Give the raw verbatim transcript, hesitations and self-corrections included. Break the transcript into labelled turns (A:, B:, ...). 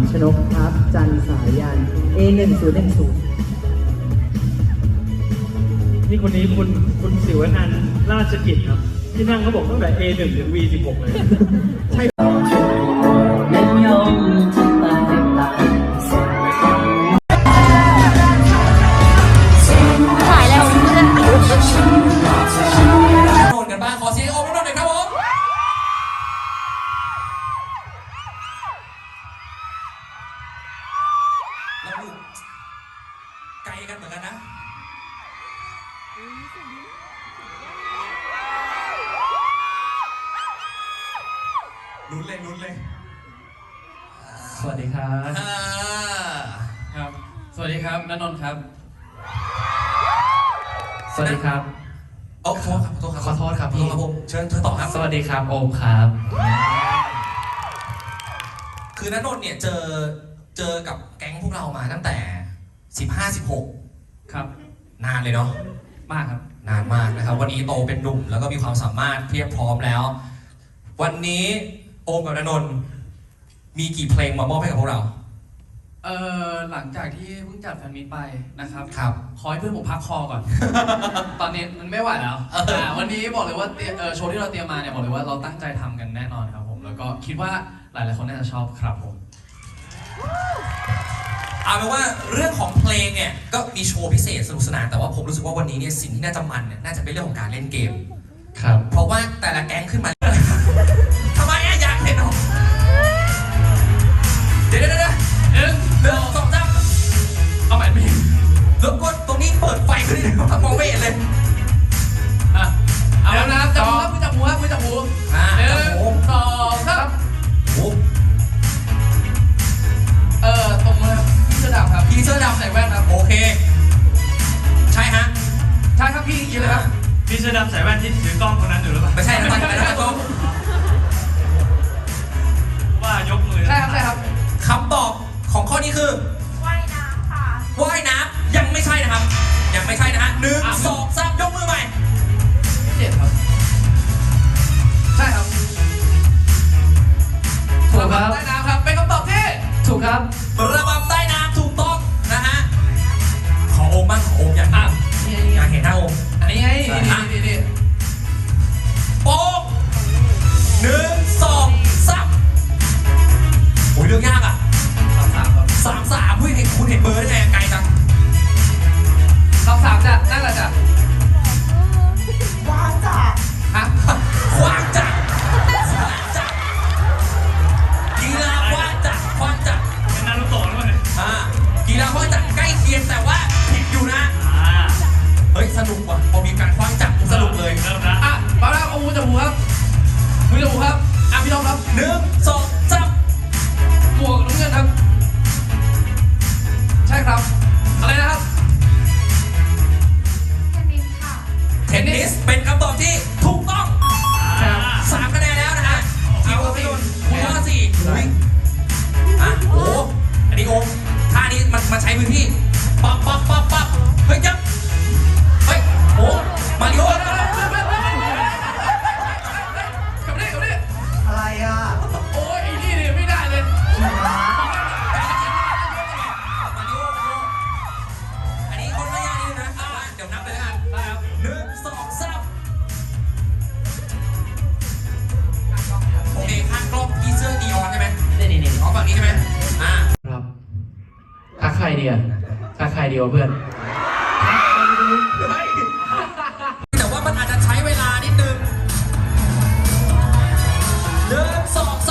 A: ชนกครับจันสายัน เอ หนึ่ง ศูนย์ หนึ่ง ศูนย์
B: นี่คนนี้คุณคุณศิวนันท์ราชกิจครับที่นั่งเขาบอกตั้งแต่ เอ หนึ่ง ถึง วี สิบหก เลยใช่
C: ถ่ายแล้วเพื่อน
D: โดนกันบ้างขอเสียงโอมน้องหน่อยครับผมแล้วลูกไกลกันเหมือนกันนะลุ้นเลยลุ้นเลย
E: สวัสดีครับครับสวัสดีครับณนนท์ครับสวัสดีครับ
D: โอ้ขอโทษครับ
E: ขอโทษครับ
D: ขอโทษครับผมเชิญเชิญต่อครับ
E: สวัสดีครับโอมครับ
D: คือณนนท์เนี่ยเจอเจอกับแก๊งพวกเรามาตั้งแต่สิบห้า สิบหก
E: ครับ
D: นานเลยเนาะ
E: มากครับ
D: นานมากนะครับวันนี้โตเป็นหนุ่มแล้วก็มีความสามารถเพียบพร้อมแล้ววันนี้โอมกับณนนท์มีกี่เพลงมามอบให้กับพวกเรา
E: เอ่อหลังจากที่เพิ่งจัดแฟนมิตไปนะครับ
D: ครับ
E: ขอให้เพื่อนผมพักคอก่อน ตอนนี้มันไม่ไหวแล้ววันนี้บอกเลยว่าโชว์ที่เราเตรียมมาเนี่ยบอกเลยว่าเราตั้งใจทำกันแน่นอนครับผมแล้วก็คิดว่าหลายๆคนน่าจะชอบครับผม
D: เอาเป็นว่าเรื่องของเพลงเนี่ยก็มีโชว์พิเศษสนุกสนานแต่ว่าผมรู้สึกว่าวันนี้เนี่ยสิ่งที่น่าจะมันเนี่ยน่าจะเป็นเรื่องของการเล่นเกม
E: ครับ
D: เพราะว่าแต่ละแก๊งขึ้นมาทำไมอะอยากเห็นเหรอเดี๋ยวเดี๋ยวเดี๋ยวหนึ่งหนึ่งสองสาม
E: เอาใหม่ไม่
D: รบกวนตรงนี้เปิดไฟขึ้นเลยมองไม่เห็นเลย
E: อ่ะเอาแล้วนะจับมือจับมือมือจับมือหนึ่งสองสามเออตรงมือพี่เสื้อดำครับ
D: พี่เสื้อดำใส่แว่นครับโอเคใช่ฮะ
E: ใช่ครับพี่ยินเลยครับ
B: พี่เสื้อดำใส่แว่นที่ถือกล้องคนนั้นอยู่หรือเปล่า
D: ไม่ใช่นะไม่ใช่นะต้อง
B: ว่ายกมือ
E: ใช่ครับใช่ครับ
D: คำตอบของข้อนี้คือ
C: ว่ายน้ำค่ะ
D: ว่ายน้ำยังไม่ใช่นะครับยังไม่ใช่นะฮะหนึ่งสองสามยกมือใหม่
E: เจ็ดครับใช่ครับถูกครับใต้น้ำครับเป็นคำตอบที่ถูกครับ
D: ระบำใต้น้ำถูกต้องนะฮะขอโอมบ้างขอโอมอยากอยากเห็นหน้าโอม
E: อันนี้ไงนี่นี่
D: โป๊ะหนึ่งสองสามโอ้ยเรื่องยากอ่ะ
E: สามสามครับ
D: สามสามคุณเห็นคุณเห็นเบอร์ได้ไงไกลจัง
E: สามสามจ้ะนั่นแหละจ้ะ
C: ว้างจ้ะ
E: ฮะ
D: ขวางจักจักกีฬาขวางจักขวางจัก
B: เป็นนารูโตะหรือเปล่าเนี่ย
D: อ่ากีฬาขวางจักใกล้เคียงแต่ว่าผิดอยู่นะเฮ้ยสนุกว่ะพอมีการขวางจักสนุกเลย
B: เริ่มนะ
E: อ่ะมาแล้วเอามือจับหูครับมือจับหูครับอ่ะพี่น้องครับ
D: หนึ่งสองสาม
E: หมวกน้ำเงินครับใช่ครับอะไรนะครับ
C: เทนนิสค่ะ
D: เทนนิสเป็นคำตอบที่ถูกต้องสามคะแนนแล้วนะฮะทีมโอมคุณว่าสี่อุ้ยอ่ะโอ้อันนี้โอมท่านี้มันมาใช้พื้นที่ปั๊บปั๊บปั๊บปั๊บเฮ้ยยับเฮ้ยโอ้มาริโอ
E: กับนี่กับนี่
A: อะไรอ่ะ
E: โอ้ยไอ้นี่เนี่ยไม่ได้เลย
D: อันนี้คนไม่ยากนิดนึงนะเดี๋ยวนับเลยนะหนึ่งสองสามโอเคข้างกล้องพี่เสื้อนีออนใช่ไหม
E: นี่นี่นี่
D: อ๋อฝั่งนี้ใช่ไหมอ่า
E: ครับทักใครดีอ่ะทักใครดีวะเพื่อน
D: แต่ว่ามันอาจจะใช้เวลานิดนึงหนึ่งสองส